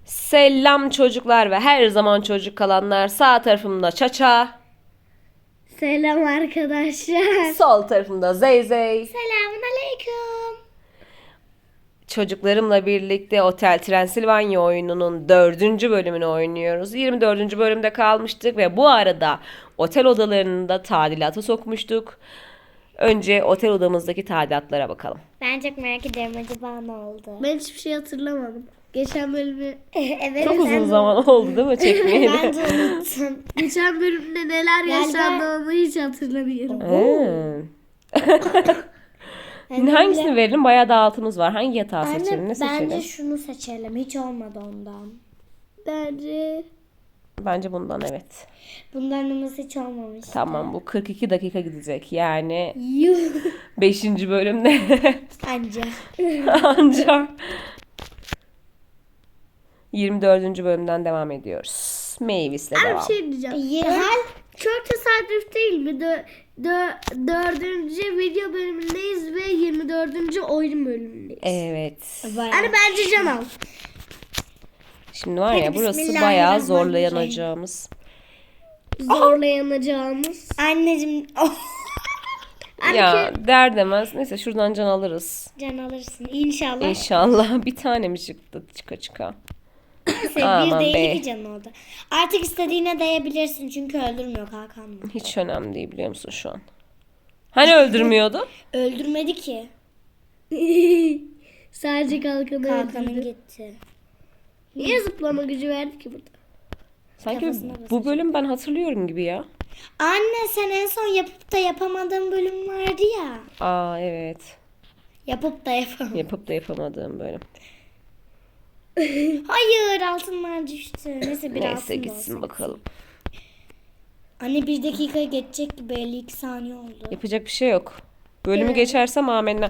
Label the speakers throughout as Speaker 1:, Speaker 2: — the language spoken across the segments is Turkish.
Speaker 1: Selam çocuklar ve her zaman çocuk kalanlar. Sağ tarafımda Çaça,
Speaker 2: Selam arkadaşlar.
Speaker 1: sol tarafımda Zeyzey.
Speaker 2: Selamun aleyküm.
Speaker 1: Çocuklarımla birlikte Otel Transilvanya oyununun 4. bölümünü oynuyoruz. 24. bölümde kalmıştık ve bu arada otel odalarını da tadilata sokmuştuk. Önce otel odamızdaki tadilatlara bakalım.
Speaker 3: Ben çok merak ediyorum acaba ne oldu?
Speaker 2: Ben hiçbir şey hatırlamadım. Geçen bölümü
Speaker 3: Evet.
Speaker 1: Çok uzun zaman oldu değil mi çekmeyeli?
Speaker 3: Ben de unuttum.
Speaker 2: geçen bölümde neler yaşandı onu hiç hatırlamıyorum.
Speaker 1: Hangisini verelim? Bayağı dağıtımız var. Hangi yatağı
Speaker 3: Anne,
Speaker 1: seçelim? Ne seçelim?
Speaker 3: bence şunu seçelim. Hiç olmadı ondan.
Speaker 2: Bence
Speaker 1: Bence evet.
Speaker 3: Bundan hiç olmamış.
Speaker 1: Tamam, bu 42 dakika gidecek. Yani
Speaker 3: Yuh.
Speaker 1: 5. bölümde
Speaker 3: Anca.
Speaker 1: ancak 24. bölümden devam ediyoruz. Mavis'le
Speaker 2: bir
Speaker 1: devam.
Speaker 2: şey diyeceğim.
Speaker 3: Hal
Speaker 2: Çok tesadüf değil mi? Dördüncü video bölümündeyiz ve 24. oyun bölümündeyiz.
Speaker 1: Evet.
Speaker 2: Hani bence can al.
Speaker 1: Şimdi var ya,
Speaker 3: Hadi
Speaker 1: burası bayağı
Speaker 3: bismillahirrahmanirrahim.
Speaker 1: zorlayanacağımız.
Speaker 2: Zorlayanacağımız.
Speaker 3: anneciğim
Speaker 1: Ya der demez. Neyse şuradan can alırız.
Speaker 3: can alırsın. İnşallah.
Speaker 1: İnşallah bir tane mi çıktı çıka.
Speaker 3: Neyse,
Speaker 1: Aman
Speaker 3: bir değil
Speaker 1: be.
Speaker 3: iki can oldu. Artık istediğine değebilirsin çünkü öldürmüyor Hakan.
Speaker 1: Hiç önemli değil, biliyor musun şu an? Hani öldürmüyordu?
Speaker 3: Öldürmedi ki.
Speaker 2: Sadece kalkanı
Speaker 3: Hakan'ın
Speaker 2: öldürdü.
Speaker 3: gitti.
Speaker 2: Niye zıplama gücü verdi ki burada?
Speaker 1: Sanki
Speaker 3: Kafasına
Speaker 1: bu bölüm ben hatırlıyorum gibi ya.
Speaker 3: Anne sen en son yapıp da yapamadığın bölüm vardı ya.
Speaker 1: Aa evet.
Speaker 3: Yapıp da yapamadın.
Speaker 1: Yapıp da yapamadığım bölüm.
Speaker 3: Hayır altınlar düştü. Neyse bir
Speaker 1: Neyse
Speaker 3: altın da
Speaker 1: gitsin
Speaker 3: olsun.
Speaker 1: bakalım.
Speaker 3: Anne 1 dakika geçecek gibi 52 saniye oldu.
Speaker 1: Yapacak bir şey yok. Bölümü geçersem amenna.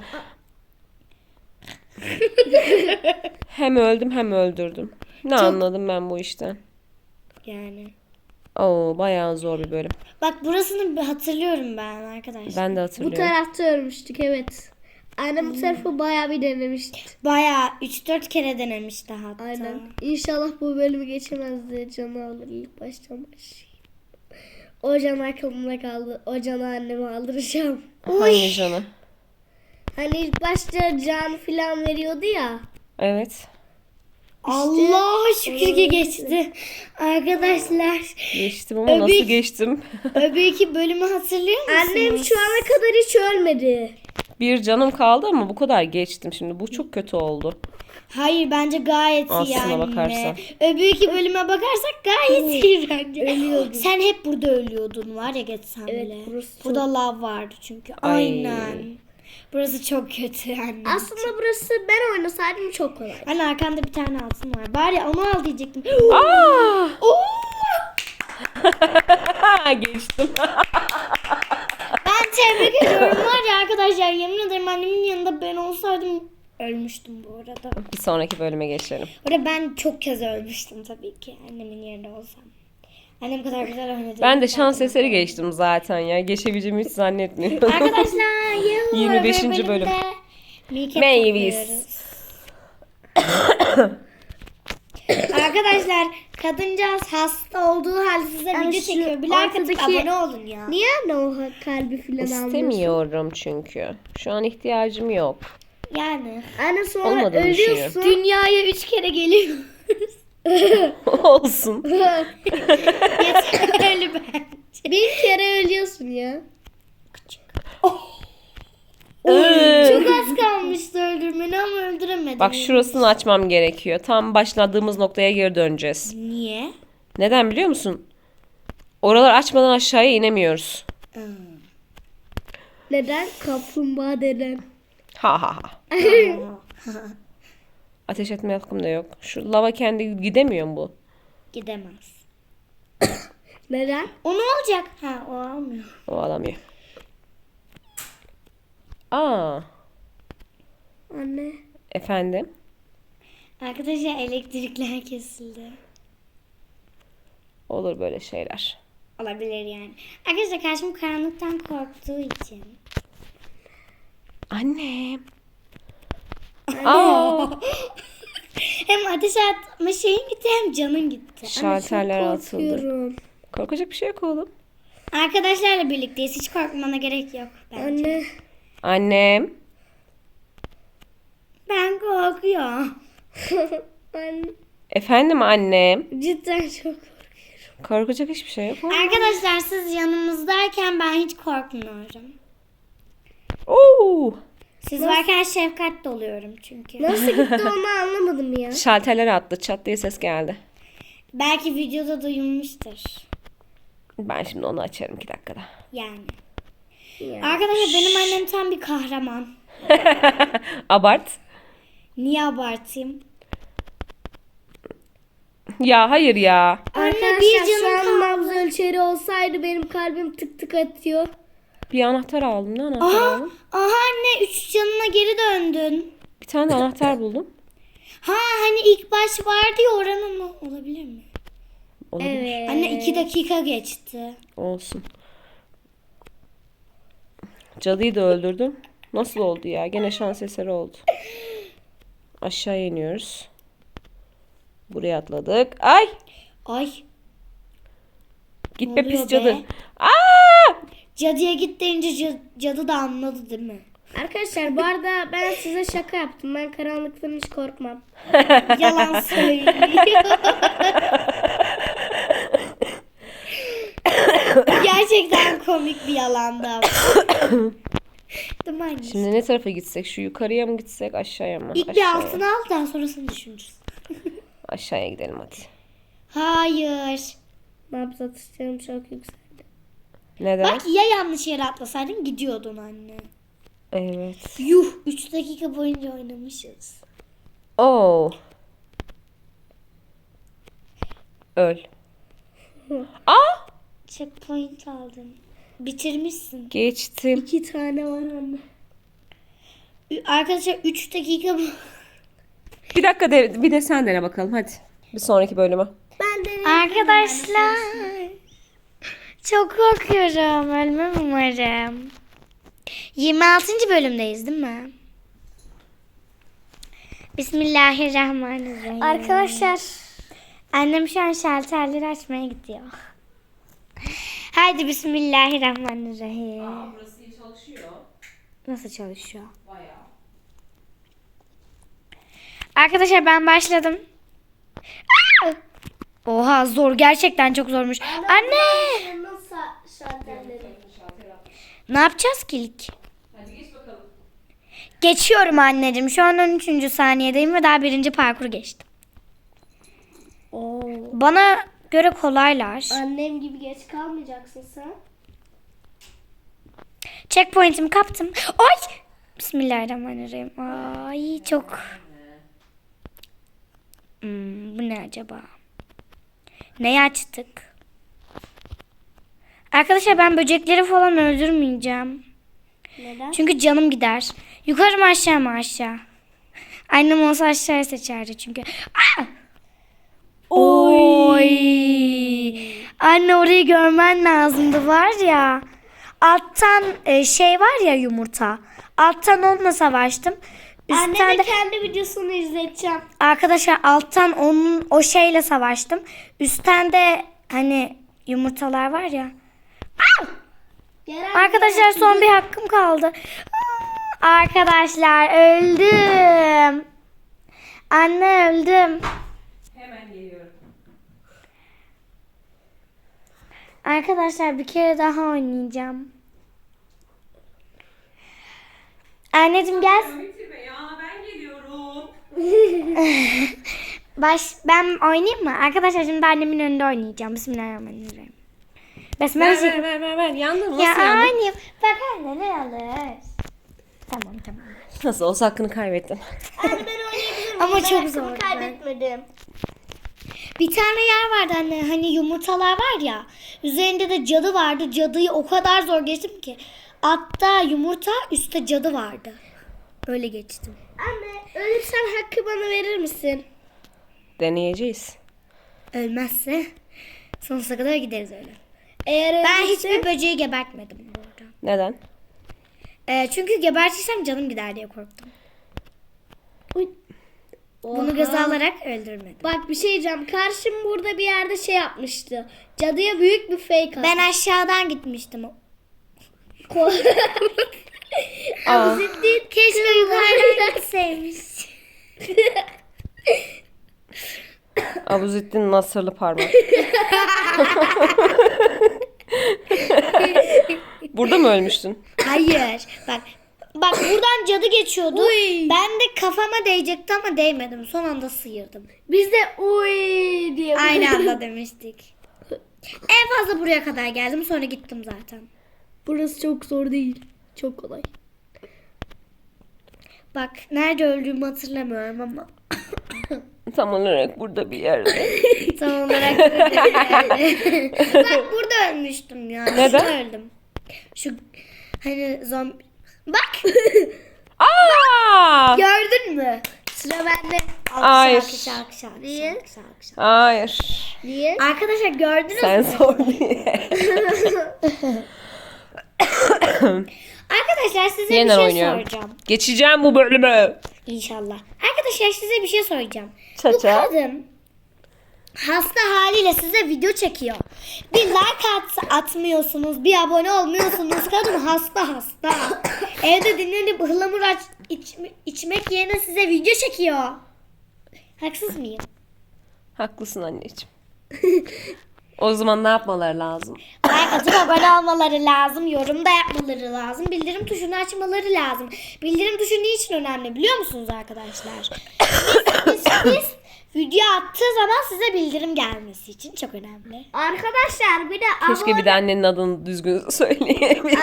Speaker 1: Hem öldüm hem öldürdüm. Ne anladım ben bu işten?
Speaker 3: Yani.
Speaker 1: Oo, bayağı zor bir bölüm.
Speaker 3: Bak burasını bir hatırlıyorum ben arkadaşlar.
Speaker 1: Ben de
Speaker 2: Bu
Speaker 1: hatırlıyorum.
Speaker 2: tarafta örmüştük evet. Annem bu tarafı bayağı bir denemişti.
Speaker 3: Bayağı 3-4 kere denemişti hatta.
Speaker 2: Aynen. İnşallah bu bölümü geçemez diye canı alır ilk baştan başlayayım. O can aklımda kaldı. O canı anneme aldıracağım.
Speaker 1: Hangi canı?
Speaker 2: Hani ilk başta can filan veriyordu ya.
Speaker 1: Evet.
Speaker 3: Allah şükür ki geçti. Arkadaşlar
Speaker 1: Geçtim ama nasıl
Speaker 3: Öbek.
Speaker 1: geçtim?
Speaker 3: öbeki bölümü hatırlıyor musunuz?
Speaker 2: Annem şu ana kadar hiç ölmedi.
Speaker 1: Bir canım kaldı ama bu kadar geçtim şimdi. Bu çok kötü oldu.
Speaker 3: Hayır bence gayet iyi
Speaker 1: Aslına
Speaker 3: anne.
Speaker 1: bakarsan.
Speaker 3: Öbeki bölüme bakarsak gayet iyi bence.
Speaker 2: Ölüyordum.
Speaker 3: Sen hep burada ölüyordun var ya geçsen
Speaker 2: Evet,
Speaker 3: bile.
Speaker 2: burası
Speaker 3: Burada lav vardı çünkü.
Speaker 1: Ay.
Speaker 3: Aynen. Burası çok kötü anne.
Speaker 2: Aslında burası ben oynasaydım çok kolay.
Speaker 3: Anne arkanda bir tane altın var. Bari onu al diyecektim.
Speaker 1: Aa!
Speaker 3: Oo!
Speaker 1: Geçtim.
Speaker 3: Ben tebrik ediyorum var ya arkadaşlar. Yemin ederim annemin yanında ben olsaydım ölmüştüm bu arada.
Speaker 1: Bir sonraki bölüme geçelim.
Speaker 3: Orada ben çok kez ölmüştüm tabii ki annemin yerinde olsam. Annem kadar güzel oynadı.
Speaker 1: Ben de şans eseri geçtim zaten ya. Geçebileceğimi hiç zannetmiyorum.
Speaker 3: Arkadaşlar
Speaker 1: 25. bölüm. Mavis.
Speaker 3: Arkadaşlar kadıncağız hasta olduğu halde size
Speaker 2: Yani
Speaker 3: video
Speaker 2: şu
Speaker 3: çekiyor. Bir like atıp
Speaker 2: ortadaki-
Speaker 3: abone olun ya.
Speaker 2: Niye anne o kalbi filan almıyorsun?
Speaker 1: İstemiyorum çünkü. Şu an ihtiyacım yok.
Speaker 3: Yani.
Speaker 2: Anne sonra
Speaker 1: Olmadığını
Speaker 2: ölüyorsun.
Speaker 3: Dünyaya 3 kere geliyor.
Speaker 1: Olsun.
Speaker 3: Yeterli bence.
Speaker 2: Bir kere ölüyorsun ya.
Speaker 3: Çok az kalmıştı öldürmeni ama öldüremedim.
Speaker 1: Bak şurasını açmam gerekiyor. Tam başladığımız noktaya geri döneceğiz.
Speaker 3: Niye?
Speaker 1: Neden biliyor musun? Oralar açmadan aşağıya inemiyoruz.
Speaker 2: Neden? Kaplumbağa deden.
Speaker 1: Ha ha ha. Ateş etme hakkım da yok. Şu lava kendi gidemiyor mu bu?
Speaker 3: Gidemez.
Speaker 2: Neden?
Speaker 3: O ne olacak? Ha o almıyor.
Speaker 1: O alamıyor. Aa,
Speaker 2: Anne.
Speaker 1: efendim.
Speaker 3: Arkadaşlar elektrikler kesildi.
Speaker 1: Olur böyle şeyler.
Speaker 3: Olabilir yani. Arkadaşlar karşım karanlıktan korktuğu için.
Speaker 1: Annem. Aa,
Speaker 3: Hem ateş atma şeyin gitti hem canın gitti.
Speaker 1: Şalterler atıldı.
Speaker 2: Korkuyorum.
Speaker 1: Korkacak bir şey yok oğlum.
Speaker 3: Arkadaşlarla birlikteyiz. Hiç korkmana gerek yok bence.
Speaker 2: Anne.
Speaker 1: Annem.
Speaker 3: Ben korkuyorum.
Speaker 2: Anne.
Speaker 1: Efendim annem.
Speaker 2: Cidden çok korkuyorum.
Speaker 1: Korkacak hiçbir şey yok.
Speaker 3: Arkadaşlar siz yanımızdayken ben hiç korkmuyorum.
Speaker 1: Oo!
Speaker 3: Siz varken şefkatli oluyorum çünkü.
Speaker 2: Nasıl gitti onu anlamadım ya.
Speaker 1: Şalterler attı. Çat diye ses geldi.
Speaker 3: Belki videoda duyulmuştur.
Speaker 1: Ben şimdi onu açarım 2 dakikada.
Speaker 3: Yani.
Speaker 2: Ya.
Speaker 3: Arkadaşlar benim annem tam bir kahraman.
Speaker 1: Abart.
Speaker 3: Niye abartayım?
Speaker 1: Ya hayır ya.
Speaker 3: Anne bir
Speaker 2: Arkadaşlar şu
Speaker 3: canım
Speaker 2: an
Speaker 3: kaldı.
Speaker 2: nabız ölçeri olsaydı benim kalbim tık tık atıyor.
Speaker 1: Bir anahtar aldım. Ne anahtar
Speaker 3: Aha,
Speaker 1: aldım?
Speaker 3: aha anne 3 canına geri döndün.
Speaker 1: Bir tane de anahtar buldum.
Speaker 3: Ha hani ilk baş vardı ya oranın mı? Olabilir mi?
Speaker 1: Olabilir.
Speaker 2: Evet.
Speaker 3: Anne 2 dakika geçti.
Speaker 1: Olsun. Cadıyı da öldürdüm. Nasıl oldu ya? Gene şans eseri oldu. Aşağı iniyoruz. Buraya atladık. Ay!
Speaker 3: Ay
Speaker 1: Git
Speaker 3: Ne
Speaker 1: be
Speaker 3: oluyor
Speaker 1: pis cadı.
Speaker 3: be?
Speaker 1: Aa!
Speaker 3: cadıya git deyince cadı da anladı değil mi?
Speaker 2: Arkadaşlar bu arada ben size şaka yaptım. Ben karanlıktan hiç korkmam.
Speaker 3: Yalan söylüyor. Gerçekten komik bir yalandı ama. Değil mi anne?
Speaker 1: Şimdi ne tarafa gitsek? Şu yukarıya mı gitsek? Aşağıya mı?
Speaker 3: İlk bir
Speaker 1: Aşağıya.
Speaker 3: altına al daha sonrasını düşünürüz.
Speaker 1: Aşağıya gidelim hadi.
Speaker 3: Hayır.
Speaker 2: Nabız atışlarım çok yükseldi.
Speaker 1: Neden?
Speaker 3: Bak ya yanlış yere atlasaydın gidiyordun anne.
Speaker 1: Evet.
Speaker 3: Yuh 3 dakika boyunca oynamışız.
Speaker 1: Oo. Öl. Aa!
Speaker 3: Checkpoint aldın. Bitirmişsin.
Speaker 1: Geçtim.
Speaker 2: 2 tane var anne.
Speaker 3: Arkadaşlar 3 dakika
Speaker 1: Bir dakika bir de sen dene bakalım hadi. Bir sonraki bölümü.
Speaker 2: Ben de
Speaker 3: Arkadaşlar çok korkuyorum. Ölmem umarım. 26. bölümdeyiz değil mi? Bismillahirrahmanirrahim.
Speaker 2: Arkadaşlar
Speaker 3: Annem şu an şalterleri açmaya gidiyor. Haydi bismillahirrahmanirrahim.
Speaker 1: Burası çalışıyor.
Speaker 3: Nasıl çalışıyor?
Speaker 1: Bayağı.
Speaker 3: Arkadaşlar ben başladım. Aa! Oha zor gerçekten çok zormuş. Anne!
Speaker 2: nasıl şalterleri?
Speaker 3: Ne yapacağız ki ilk?
Speaker 1: Hadi geç bakalım.
Speaker 3: Geçiyorum anneciğim. Şu an 13. saniyedeyim ve daha 1. parkuru geçtim.
Speaker 2: Oo.
Speaker 3: Bana göre kolaylar.
Speaker 2: Annem gibi geç kalmayacaksın sen.
Speaker 3: Checkpoint'imi kaptım. Ay! Bismillahirrahmanirrahim. Ay çok. Bu ne acaba? Neyi açtık? Arkadaşlar ben böcekleri falan öldürmeyeceğim.
Speaker 2: Neden?
Speaker 3: Çünkü canım gider. Yukarı mı aşağı mı aşağı? Annem olsa aşağıya seçerdi çünkü. Aa! Oy! Anne orayı görmen lazımdı var ya. Alttan şey var ya yumurta. Alttan onunla savaştım. Üstten
Speaker 2: Anneme
Speaker 3: de,
Speaker 2: kendi videosunu izleteceğim.
Speaker 3: arkadaşlar alttan onun o şeyle savaştım. Üstten de hani yumurtalar var ya. Aa! Arkadaşlar son bir hakkım kaldı. Arkadaşlar öldüm. Anne öldüm.
Speaker 1: Hemen geliyorum.
Speaker 3: Arkadaşlar bir kere daha oynayacağım. Anneciğim gel.
Speaker 1: Bitirme ya ben geliyorum.
Speaker 3: Ben oynayayım mı? Arkadaşlar şimdi annemin önünde oynayacağım. Bismillahirrahmanirrahim. Besmele çek-
Speaker 1: Ver. Yandın mı?
Speaker 3: Ya
Speaker 1: Nasıl yandın?
Speaker 3: oynayayım. Bak anne ne alır. Tamam.
Speaker 1: Nasıl olsa hakkını kaybettin.
Speaker 2: Anne ben oynayabilirim.
Speaker 3: Ama
Speaker 2: Ben
Speaker 3: çok
Speaker 2: hakkımı
Speaker 3: zor.
Speaker 2: kaybetmedim.
Speaker 3: Bir tane yer vardı anne. Hani yumurtalar var ya. Üzerinde de cadı vardı. Cadıyı o kadar zor geçtim ki. Altta yumurta, üstte cadı vardı. Öyle geçtim.
Speaker 2: Anne ölürsen hakkı bana verir misin?
Speaker 1: Deneyeceğiz.
Speaker 3: Ölmezse sonsuza kadar gideriz öyle.
Speaker 2: Eğer
Speaker 3: Ben
Speaker 2: ölürse-
Speaker 3: hiçbir böceği gebertmedim bu arada.
Speaker 1: Neden?
Speaker 3: Çünkü gebertirsem canım gider diye korktum.
Speaker 2: Uy.
Speaker 3: Bunu göze alarak öldürmedim.
Speaker 2: Bak bir şey diyeceğim. Karşım burada bir yerde şey yapmıştı. Cadıya büyük bir fake attı.
Speaker 3: Ben aşağıdan gitmiştim.
Speaker 1: Aa,
Speaker 3: Keşke yukarıdan gitseymiş.
Speaker 1: Abuzettin Nasırlı parmak. Burada mı ölmüştün?
Speaker 3: Hayır. Bak buradan cadı geçiyordu.
Speaker 2: Uy.
Speaker 3: Ben de kafama değecekti ama değmedim. Son anda sıyırdım.
Speaker 2: Biz de uy diye.
Speaker 3: Aynı anda demiştik. En fazla buraya kadar geldim. Sonra gittim zaten.
Speaker 2: Burası çok zor değil. Çok kolay.
Speaker 3: Bak nerede öldüğümü hatırlamıyorum ama.
Speaker 1: Tam olarak burada bir yerde.
Speaker 3: Tam olarak burada yani. Bak burada ölmüştüm ya.
Speaker 1: Neden?
Speaker 3: Şurada öldüm. Şu hani zombi. Bak
Speaker 1: Aa!
Speaker 3: gördün mü? Sıra bende.
Speaker 1: Hayır.
Speaker 3: Alkış.
Speaker 2: Niye?
Speaker 1: Hayır.
Speaker 2: Niye?
Speaker 3: Arkadaşlar gördünüz
Speaker 1: Sen
Speaker 3: mü?
Speaker 1: sor diye.
Speaker 3: Arkadaşlar size
Speaker 1: Yeniden
Speaker 3: bir şey
Speaker 1: oynuyorum.
Speaker 3: soracağım.
Speaker 1: Geçeceğim bu bölümü.
Speaker 3: İnşallah. Arkadaşlar size bir şey soracağım. Bu
Speaker 1: Çaça.
Speaker 3: kadın hasta haliyle size video çekiyor. Bir like atmıyorsunuz, bir abone olmuyorsunuz. Kadın hasta. Evde dinlenip ıhlamur içmek yerine size video çekiyor. Haksız mıyım?
Speaker 1: Haklısın anneciğim. O zaman ne yapmaları lazım?
Speaker 3: Like atıp abone olmaları lazım, yorum da yapmaları lazım, bildirim tuşunu açmaları lazım. Bildirim tuşu niçin önemli biliyor musunuz arkadaşlar? Biz video attığı zaman size bildirim gelmesi için çok önemli.
Speaker 2: Arkadaşlar bir de
Speaker 1: Keşke bir de annenin adını düzgün söyleyebilseydim.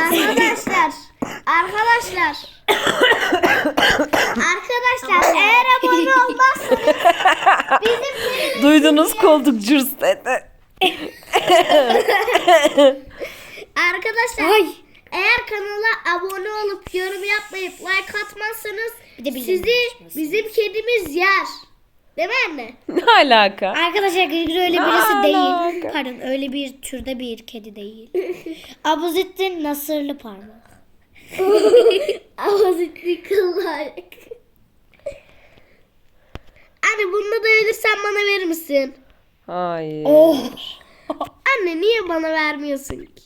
Speaker 2: Arkadaşlar eğer abone olmazsanız
Speaker 1: Duydunuz, koltuk cırs dedi.
Speaker 2: arkadaşlar eğer kanala abone olup yorum yapmayıp like atmazsanız
Speaker 3: Bir de bildirim
Speaker 2: sizi
Speaker 3: açması.
Speaker 2: bizim kedimiz yer. Değil mi anne?
Speaker 1: Ne alaka?
Speaker 3: Arkadaşlar Gırgır öyle birisi
Speaker 1: Alaka.
Speaker 3: değil. Pardon öyle bir türde bir kedi değil. Abuzettin Nasırlı parmak.
Speaker 2: Avazitli kıllar. Anne bununla da ölürsen bana verir misin?
Speaker 1: Hayır.
Speaker 3: Oh.
Speaker 2: Anne niye bana vermiyorsun ki?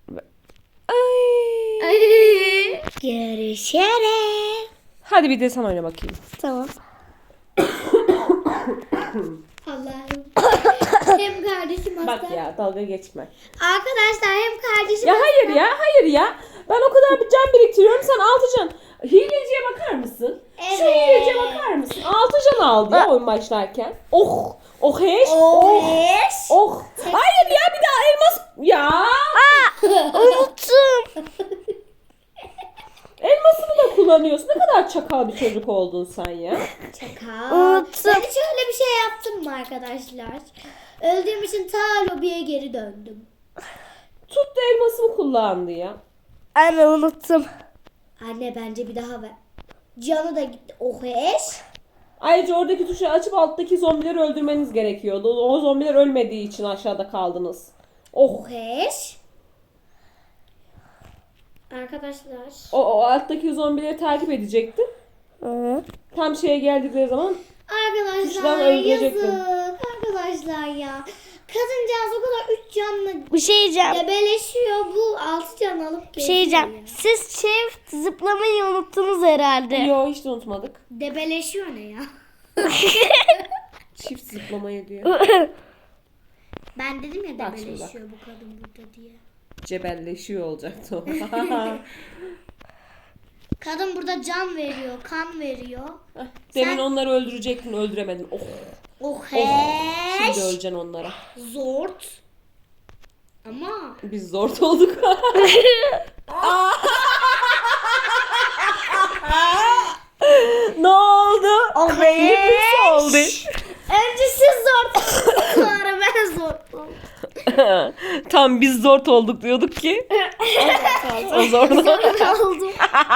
Speaker 1: Ay.
Speaker 2: Ay.
Speaker 3: Görüşürüz.
Speaker 1: Hadi bir de sen oyna bakayım.
Speaker 3: Tamam.
Speaker 2: Allah'ım. Hem kardeşim hasta.
Speaker 1: Bak ya, dalga geçme.
Speaker 3: Arkadaşlar hem kardeşim
Speaker 1: Ya hayır ya. Ben o kadar bir can biriktiriyorum, sen 6 can. Hileciye bakar mısın? Şu
Speaker 3: Evet.
Speaker 1: hileciye bakar mısın? 6 can aldı ya oyun başlarken. Oh. Oh heş.
Speaker 3: Oheş.
Speaker 1: Oh. Hayır ya, bir daha elmas. Ya.
Speaker 2: Unuttum.
Speaker 1: Elmasını da kullanıyorsun. Ne kadar çakal bir çocuk oldun sen ya.
Speaker 3: Çakal.
Speaker 2: Unuttum.
Speaker 3: Ben hiç öyle bir şey yaptım mı arkadaşlar? Öldüğüm için ta lobiye geri döndüm.
Speaker 1: Tuttu elmasımı kullandı ya.
Speaker 2: Anne unuttum.
Speaker 3: Anne bence bir daha ver. Canı da gitti. Oheş.
Speaker 1: Ayrıca oradaki tuşu açıp alttaki zombileri öldürmeniz gerekiyordu. O zombiler ölmediği için aşağıda kaldınız. Oh.
Speaker 3: Oheş. Arkadaşlar.
Speaker 1: O alttaki zombileri takip edecektin. Tam şeye geldikleri zaman
Speaker 3: Arkadaşlar
Speaker 1: Tuştan öldürecektim.
Speaker 3: yazık. Arkadaşlar ya. Kadıncağız o kadar 3 canlı
Speaker 2: Bir şey diyeceğim.
Speaker 3: debeleşiyor. Bu 6 can alıp
Speaker 2: Bir şey diyeceğim. Siz çift zıplamayı unuttunuz herhalde.
Speaker 1: yo hiç de unutmadık.
Speaker 3: Debeleşiyor ne ya?
Speaker 1: Çift zıplamayı diyor.
Speaker 3: Ben dedim ya
Speaker 1: Bak şimdi
Speaker 3: debeleşiyor bu kadın burada diye.
Speaker 1: Cebelleşiyor olacaktı o.
Speaker 3: Kadın burada can veriyor, kan veriyor.
Speaker 1: Demin onları öldürecektin, öldüremedin. Oh.
Speaker 3: Oheş.
Speaker 1: Şimdi öleceksin onlara.
Speaker 3: Zort. Ama
Speaker 1: Biz zor olduk. Ne oldu? Hepsi oldu.
Speaker 2: Önce siz zor sonra ben zor oldum.
Speaker 1: Tam biz zor olduk diyorduk ki. O zor.
Speaker 2: oldum.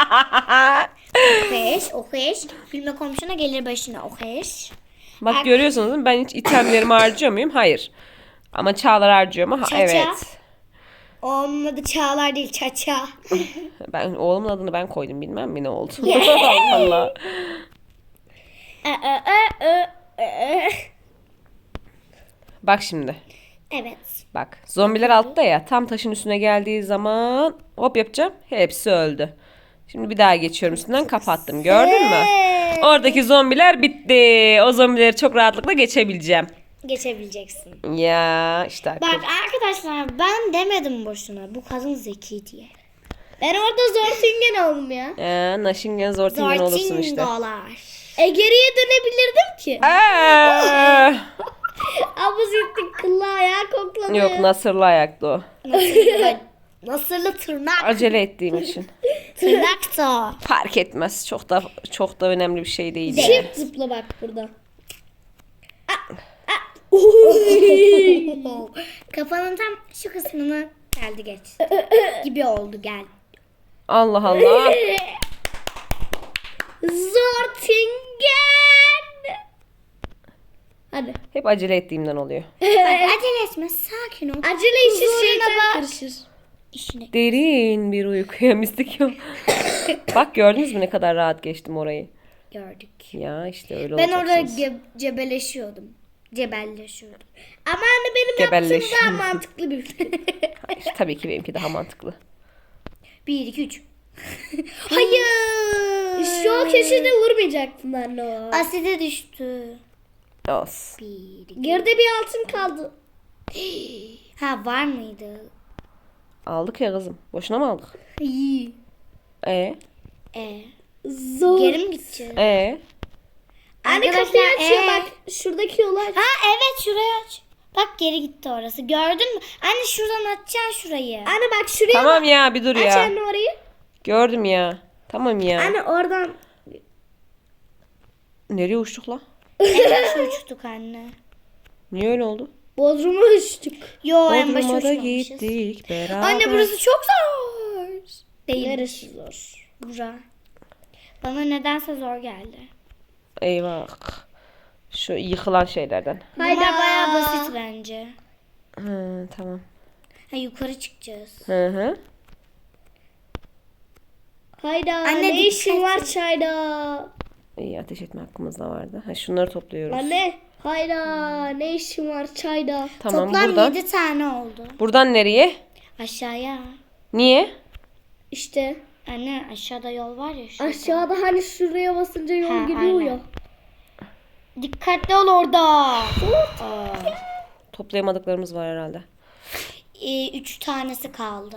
Speaker 3: oheş. Bilme komşuna gelir başına oheş.
Speaker 1: Bak görüyorsunuz değil mi? Ben hiç itemlerimi harcıyor muyum? Hayır. Ama Çağlar harcıyor mu?
Speaker 3: Çaça.
Speaker 1: Evet.
Speaker 3: Onun adı Çağlar değil Çaça.
Speaker 1: Ben oğlumun adını ben koydum, bilmem mi ne oldu. Allah Allah. Bak şimdi.
Speaker 3: Evet.
Speaker 1: Bak. Zombiler altta ya. Tam taşın üstüne geldiği zaman hop yapacağım. Hepsi öldü. Şimdi bir daha geçiyorum üstünden kapattım. Gördün mü? Oradaki zombiler bitti. O zombileri çok rahatlıkla geçebileceğim.
Speaker 3: Geçebileceksin.
Speaker 1: Ya işte akıl.
Speaker 3: Bak arkadaşlar ben demedim boşuna. Bu kadın zeki diye.
Speaker 2: Ben orada Zortingen oldum ya.
Speaker 1: Naşingen Zortingen olursun işte.
Speaker 3: Zortingolar.
Speaker 2: Geriye dönebilirdim ki.
Speaker 1: Aa!
Speaker 2: Ama zittin kıllı ayağı koklanıyor.
Speaker 1: Yok Nasırlı ayaklı o.
Speaker 3: Nasırlı tırnak.
Speaker 1: Acele ettiğim için.
Speaker 3: Tırnak da.
Speaker 1: Fark etmez. Çok da önemli bir şey değil. yani.
Speaker 2: Çift zıpla bak burada.
Speaker 3: Kafanın tam şu kısmını geldi geç. Gibi oldu gel.
Speaker 1: Allah Allah.
Speaker 2: Zortingen. Hadi.
Speaker 1: Hep acele ettiğimden oluyor.
Speaker 3: Bak, acele etme sakin ol.
Speaker 2: Acele işi
Speaker 3: Huzuruna
Speaker 2: şeytan
Speaker 3: bak.
Speaker 2: karışır.
Speaker 3: İşine.
Speaker 1: Derin bir uykuya mistik yok. Bak gördünüz mü ne kadar rahat geçtim orayı.
Speaker 3: Gördük.
Speaker 1: Ya işte öyle
Speaker 3: Ben orada
Speaker 1: olacaksınız.
Speaker 3: cebelleşiyordum. Cebelleşiyordum.
Speaker 2: Ama anne benim
Speaker 1: Gebelleş.
Speaker 2: yaptığım daha mantıklı bir şey.
Speaker 1: Hayır, tabii ki benimki daha mantıklı.
Speaker 3: 1, 2, 3.
Speaker 2: Hayır. Şu o köşede vurmayacaktın anne o.
Speaker 3: Aside düştü.
Speaker 1: Olsun.
Speaker 3: 1, 2.
Speaker 2: Geride bir altın kaldı.
Speaker 3: Ha var mıydı?
Speaker 1: Aldık ya kızım. Boşuna mı aldık?
Speaker 3: İyi.
Speaker 1: E
Speaker 2: Zor.
Speaker 3: Geri mi gideceğiz?
Speaker 2: Anne kapıyı
Speaker 3: Arkadaşlar,
Speaker 2: açıyor bak. Şuradaki yolu aç.
Speaker 3: Ha evet şurayı aç. Bak geri gitti orası. Gördün mü? Anne şuradan açacaksın şurayı.
Speaker 2: Anne bak şuraya
Speaker 1: Tamam
Speaker 2: bak.
Speaker 1: ya bir dur
Speaker 2: Aç
Speaker 1: ya.
Speaker 2: anne orayı.
Speaker 1: Gördüm ya. Tamam ya.
Speaker 2: Anne oradan.
Speaker 1: Nereye uçtuk la?
Speaker 3: En başa uçtuk anne.
Speaker 1: Niye öyle oldu?
Speaker 2: Bodrum'a uçtuk.
Speaker 3: Yo en başa
Speaker 1: Bodrum'a da
Speaker 3: uçmamışız.
Speaker 1: gittik beraber.
Speaker 3: Anne burası çok zor. Değil.
Speaker 2: Neresi zor?
Speaker 3: Bura. Bana nedense zor geldi.
Speaker 1: Eyvah. Şu yıkılan şeylerden.
Speaker 2: Hayda.
Speaker 3: Bunlar bayağı basit bence.
Speaker 1: Hı, tamam.
Speaker 3: Ha yukarı çıkacağız.
Speaker 1: Hı hı.
Speaker 2: Hayda.
Speaker 3: Anne,
Speaker 2: ne işin
Speaker 3: dikkat
Speaker 2: var
Speaker 3: et.
Speaker 2: çayda?
Speaker 1: İyi ateş etme hakkımızda vardı. Ha, şunları topluyoruz.
Speaker 2: Anne. Hayda. Ne işin var çayda?
Speaker 1: Tamam
Speaker 3: Toplam
Speaker 1: buradan.
Speaker 3: 7 tane oldu.
Speaker 1: Buradan nereye?
Speaker 3: Aşağıya.
Speaker 1: Niye?
Speaker 2: İşte
Speaker 3: Anne aşağıda yol var ya şurada.
Speaker 2: aşağıda hani şuraya basınca yol
Speaker 3: Ha,
Speaker 2: gidiyor
Speaker 3: aynen.
Speaker 2: ya.
Speaker 3: Dikkatli ol orada.
Speaker 1: Toplayamadıklarımız var herhalde.
Speaker 3: 3 tanesi kaldı.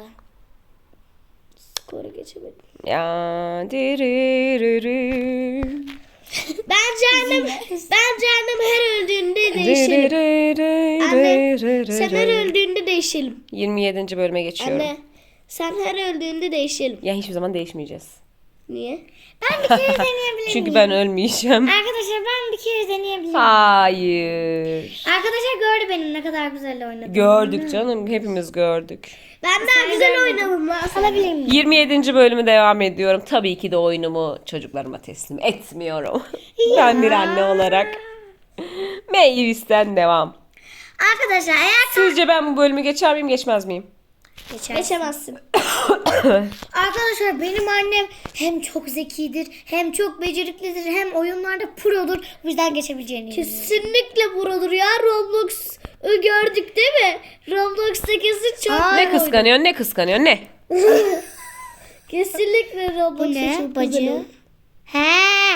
Speaker 2: Skoru geçemedim.
Speaker 1: Ya diriririri.
Speaker 2: Bence annem her öldüğünde değişelim. Anne sen her öldüğünde değişelim.
Speaker 1: 27. bölüme geçiyorum.
Speaker 2: Anne sen her öldüğünde değişelim.
Speaker 1: Ya hiçbir zaman değişmeyeceğiz.
Speaker 2: Niye?
Speaker 3: Ben bir kere deneyebilir
Speaker 1: Çünkü
Speaker 3: miyim?
Speaker 1: ben ölmeyeceğim.
Speaker 3: Arkadaşlar ben bir kere deneyebilir miyim?
Speaker 1: Hayır.
Speaker 3: Arkadaşlar gördü benim ne kadar güzel oynadım.
Speaker 1: Gördük canım. Hepimiz gördük.
Speaker 2: Ben daha güzel oynadım lan.
Speaker 3: Alabilir miyim?
Speaker 1: 27. bölümü devam ediyorum. Tabii ki de oyunumu çocuklarıma teslim etmiyorum. Ben bir anne olarak. Meyvis'ten devam.
Speaker 3: Arkadaşlar eğer
Speaker 1: Sizce ben bu bölümü geçer miyim geçmez miyim?
Speaker 2: Geçemezsin.
Speaker 3: Arkadaşlar benim annem hem çok zekidir, hem çok beceriklidir, hem oyunlarda produr. Bu yüzden geçebileceğini eminim.
Speaker 2: Kesinlikle buradır ya. Roblox'u gördük değil mi? Roblox'ta kesin çok
Speaker 1: Ne kıskanıyorsun ne kıskanıyorsun ne?
Speaker 2: Kesinlikle
Speaker 3: Bu
Speaker 2: Roblox'ta
Speaker 3: ne?
Speaker 2: çok
Speaker 3: Bacı.
Speaker 2: güzel.
Speaker 3: He.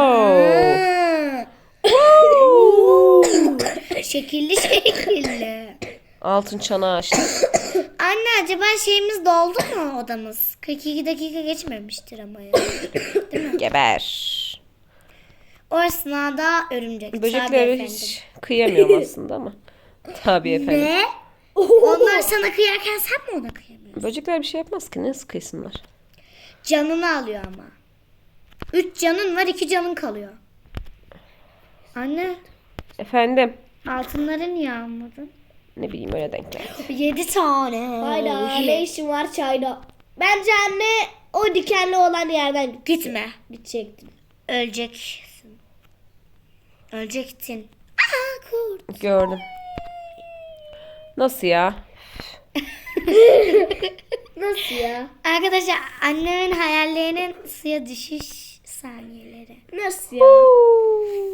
Speaker 3: Şekilli şekilli.
Speaker 1: Altın çanağı açtı.
Speaker 3: Anne acaba şeyimiz doldu mu odamız? 42 dakika geçmemiştir ama ya.
Speaker 1: Geber.
Speaker 3: O esnada örümcek. Tabii
Speaker 1: Böceklere
Speaker 3: efendim.
Speaker 1: hiç kıyamıyorum aslında ama. Tabii efendim.
Speaker 3: Ne? Onlar sana kıyarken sen mi ona kıyamıyorsun?
Speaker 1: Böcekler bir şey yapmaz ki. Nasıl kıysınlar?
Speaker 3: Canını alıyor ama. 3 canın var 2 canın kalıyor. Anne
Speaker 1: Efendim.
Speaker 3: altınları niye almadın?
Speaker 1: Ne bileyim öyle denk geldi.
Speaker 3: 7 tane.
Speaker 2: Hayda ne işin var çayda? Bence anne o dikenli olan yerden
Speaker 3: Gitme.
Speaker 2: gidecektin.
Speaker 3: Öleceksin. Ölecektin. Aha kurt.
Speaker 1: Gördüm. Nasıl ya?
Speaker 2: Nasıl ya?
Speaker 3: Arkadaşlar annemin hayallerinin suya düşüş saniyeleri.
Speaker 2: Nasıl ya?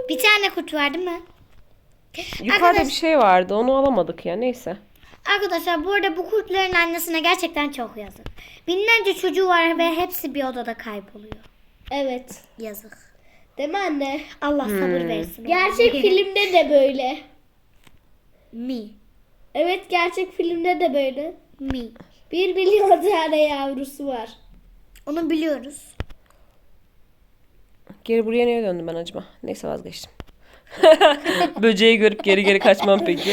Speaker 3: Bir tane kurt var değil mi?
Speaker 1: Yukarıda
Speaker 3: Arkadaş-
Speaker 1: bir şey vardı. Onu alamadık ya. Neyse.
Speaker 3: Arkadaşlar bu arada bu kurtların annesine gerçekten çok yazık. Binlerce çocuğu var ve hepsi bir odada kayboluyor.
Speaker 2: Evet.
Speaker 3: Yazık.
Speaker 2: Değil mi anne?
Speaker 3: Allah sabır versin.
Speaker 2: Gerçek filmde de böyle.
Speaker 3: Mi.
Speaker 2: Evet, gerçek filmde de böyle.
Speaker 3: Mi.
Speaker 2: 1 milyon tane yavrusu var.
Speaker 3: Onu biliyoruz.
Speaker 1: Geri buraya niye döndüm ben acaba? Neyse vazgeçtim. Böceği görüp geri geri kaçmam peki.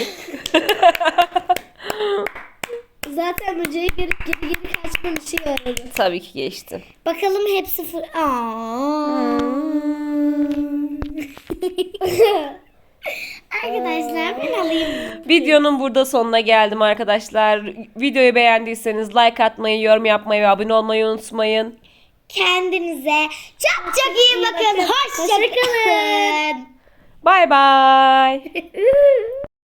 Speaker 2: Zaten böceği geri kaçmam için aradı.
Speaker 1: Tabii ki geçtim.
Speaker 3: Bakalım hepsi Arkadaşlar ben alayım.
Speaker 1: Videonun burada sonuna geldim arkadaşlar. Videoyu beğendiyseniz like atmayı, yorum yapmayı ve abone olmayı unutmayın.
Speaker 3: Kendinize çok çok iyi bakın. Hoşça kalın.
Speaker 1: Bay bay.